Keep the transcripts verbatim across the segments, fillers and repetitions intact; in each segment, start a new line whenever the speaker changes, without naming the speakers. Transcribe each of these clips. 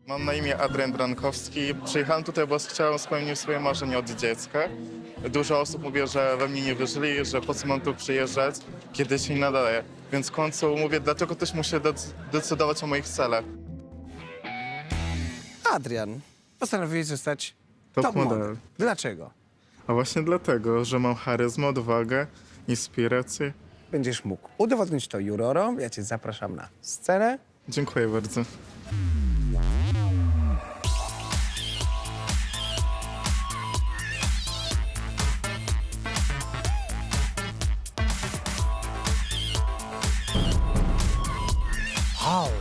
Mam na imię Adrian Drankowski. Przyjechałem tutaj, bo chciałem spełnić swoje marzenie od dziecka. Dużo osób mówi, że we mnie nie wierzyli, że po co mam tu przyjeżdżać, kiedy się nie nadaje. Więc w końcu mówię, dlaczego ktoś musi dec- decydować o moich celach.
Adrian, postanowiłeś zostać
Top
top
model.
model. Dlaczego?
A właśnie dlatego, że mam charyzmę, odwagę, inspirację.
Będziesz mógł udowodnić to jurorom. Ja cię zapraszam na scenę.
Dziękuję bardzo.
Wow.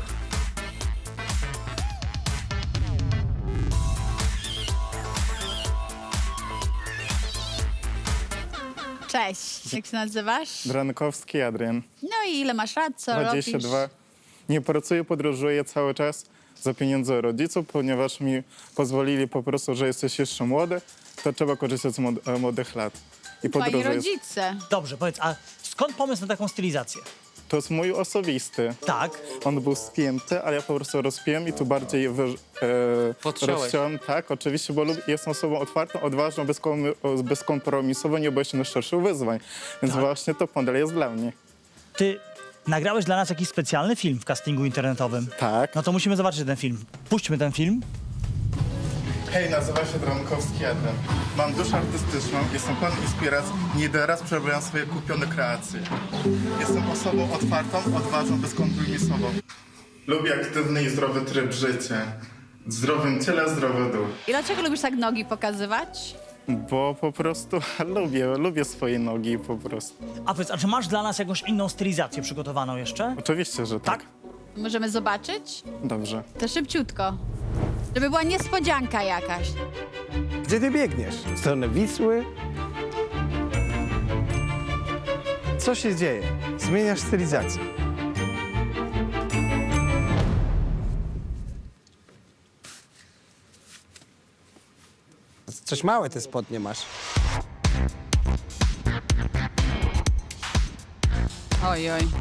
Cześć, jak się nazywasz?
Drankowski Adrian,
No i ile masz lat, co
dwadzieścia dwa.
robisz?
Nie pracuję, podróżuję cały czas za pieniądze rodziców, ponieważ mi pozwolili po prostu, że jesteś jeszcze młody, to trzeba korzystać z młod- e, młodych lat. I
Twoi
podróżuję.
rodzice.
Dobrze, powiedz, a skąd pomysł na taką stylizację?
To jest mój osobisty.
Tak.
On był spięty, ale ja po prostu rozpiłem i tu bardziej wy, e,
Podciąłeś.
rozciąłem. Tak, oczywiście, bo lub, jestem osobą otwartą, odważną, bezkom- bezkompromisową, nie boję się najszerszych wyzwań. Więc
Tak.
właśnie top model jest dla mnie.
Ty nagrałeś dla nas jakiś specjalny film w castingu internetowym.
Tak.
No to musimy zobaczyć ten film. Puśćmy ten film.
Hej, nazywam się Drankowski Adrian. Mam duszę artystyczną, jestem pełen inspiracji, nie jeden raz przerobiłem swoje kupione kreacje. Jestem osobą otwartą, odważną, bezkompromisową. Lubię aktywny i zdrowy tryb życia. W zdrowym ciele, zdrowy duch.
I dlaczego lubisz tak nogi pokazywać?
Bo po prostu lubię, lubię swoje nogi po prostu.
A powiedz, a czy masz dla nas jakąś inną stylizację przygotowaną jeszcze?
Oczywiście, że tak.
Tak?
Możemy zobaczyć?
Dobrze.
To szybciutko. Żeby była niespodzianka jakaś.
Gdzie ty biegniesz? W stronę Wisły? Co się dzieje? Zmieniasz stylizację. Coś małe te spodnie masz.
Oj, oj.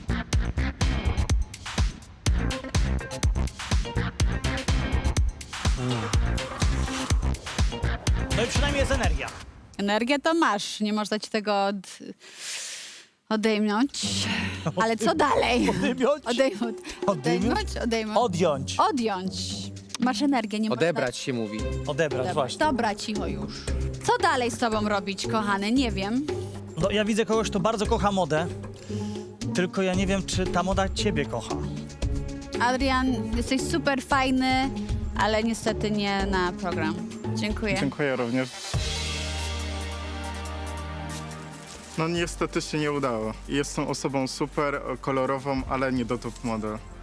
No i przynajmniej jest energia.
Energię to masz, nie można ci tego od... odejmąć. Ale co dalej?
Odejmąć?
Odejmąć. Odejmąć? Odejmąć.
Odjąć.
Odjąć. Masz energię, nie
Odebrać się mówi.
Odebrać,
można...
właśnie.
Dobra, cicho już. Co dalej z tobą robić, kochany? Nie wiem.
No ja widzę kogoś, kto bardzo kocha modę, tylko ja nie wiem, czy ta moda ciebie kocha.
Adrian, jesteś super fajny, ale niestety nie na program. Dziękuję.
Dziękuję również. No niestety się nie udało. Jestem osobą super kolorową, ale nie do top model.